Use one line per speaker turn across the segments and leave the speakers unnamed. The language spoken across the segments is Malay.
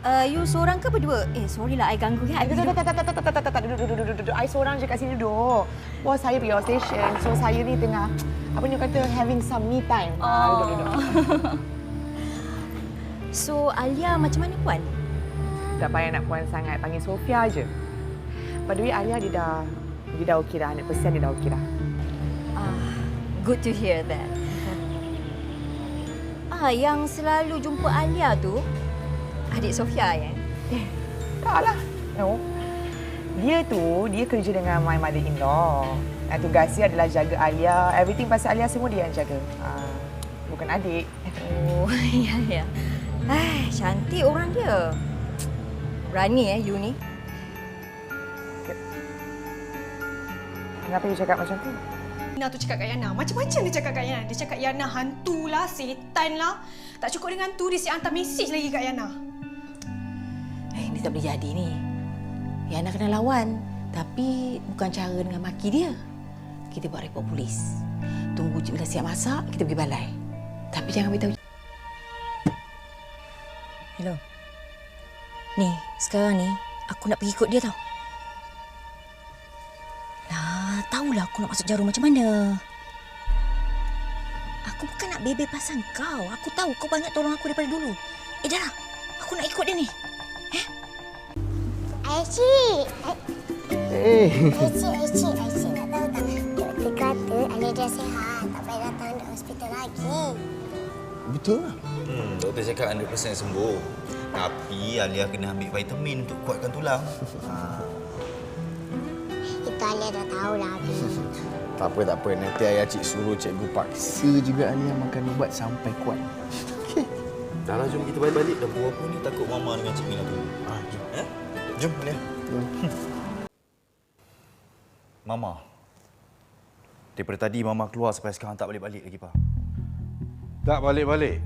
You seorang ke berdua? Sorry lah, I ganggu ya.
Duduk. I seorang je kat sini duduk. Bos saya pergi outstation. So saya ni tengah, apa ni kata, having some me time. Duduk.
So, Alia macam mana puan?
Tak payah nak puan sangat. Panggil Sofia je. By the way, Alia dia dah okey dah. 100% dia dah okey dah.
Good to hear that. Yang selalu jumpa Alia tu, adik Sofia ya?
Taklah. No. Dia kerja dengan my mother-in-law. Dan tugas dia adalah jaga Alia. Everything pasal Alia semua dia yang jaga. Bukan adik.
Oh, ya. Cantik orang dia. Berani you ni.
Kenapa you cakap macam tu?
Yana tu cakap kat Yana. Macam-macam dia cakap kat Yana. Dia cakap Yana hantu lah, setan lah. Tak cukup dengan tu, dia siap hantar mesej lagi kat Yana.
Ini tak boleh jadi ni. Yana kena lawan. Tapi bukan cara dengan maki dia. Kita buat report polis. Tunggu Cik Bila siap masak, kita pergi balai. Tapi jangan beritahu. Hello. Ni, sekarang ni, aku nak pergi ikut dia tau. Tahulah aku nak masuk jarum macam mana. Aku bukan nak bebel pasal kau. Aku tahu kau banyak tolong aku daripada dulu. Dah lah. Aku nak ikut dia ni.
Aisyik. Aisyik nak tahu tak? Doktor kata Alia dah sihat. Tak payah datang ke hospital lagi.
Betul lah.
Doktor cakap 100% sembuh. Tapi Alia kena ambil vitamin untuk kuatkan tulang.
Itu Alia dah tahulah.
Tak apa. Nanti ayah cik suruh cikgu paksa juga Alia makan ubat sampai kuat. Okey.
Dah lah, jom kita balik. Dah pukul apa ni, takut Mama dengan Cik Mina tunggu.
Jom.
Jom, Alia. Mama. Daripada tadi Mama keluar sampai sekarang tak balik-balik lagi, Pak.
Tak balik-balik.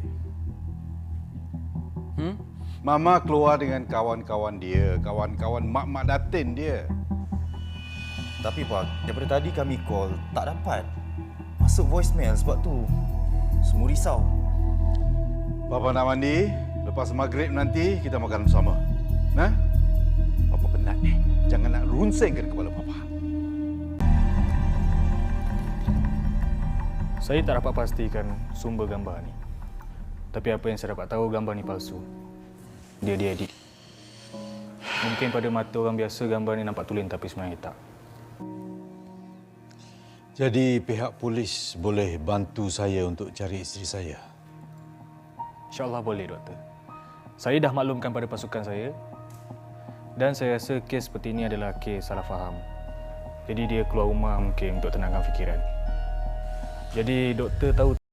Mama keluar dengan kawan-kawan dia, kawan-kawan mak-mak datin dia.
Tapi Pak, daripada tadi kami call, tak dapat. Masuk voicemail sebab tu. Semua risau.
Bapa nak mandi, lepas maghrib nanti kita makan bersama. Nah? Bapa penat ni. Jangan nak runsingkan kepala Bapa.
Saya tak dapat pastikan sumber gambar ni. Tapi apa yang saya dapat tahu, gambar ni palsu. Dia edit. Mungkin pada mata orang biasa gambar ni nampak tulen tapi sebenarnya tak.
Jadi pihak polis boleh bantu saya untuk cari isteri saya?
InsyaAllah boleh, Doktor. Saya dah maklumkan pada pasukan saya dan saya rasa kes seperti ini adalah kes salah faham. Jadi dia keluar rumah mungkin untuk tenangkan fikiran. Jadi Doktor tahu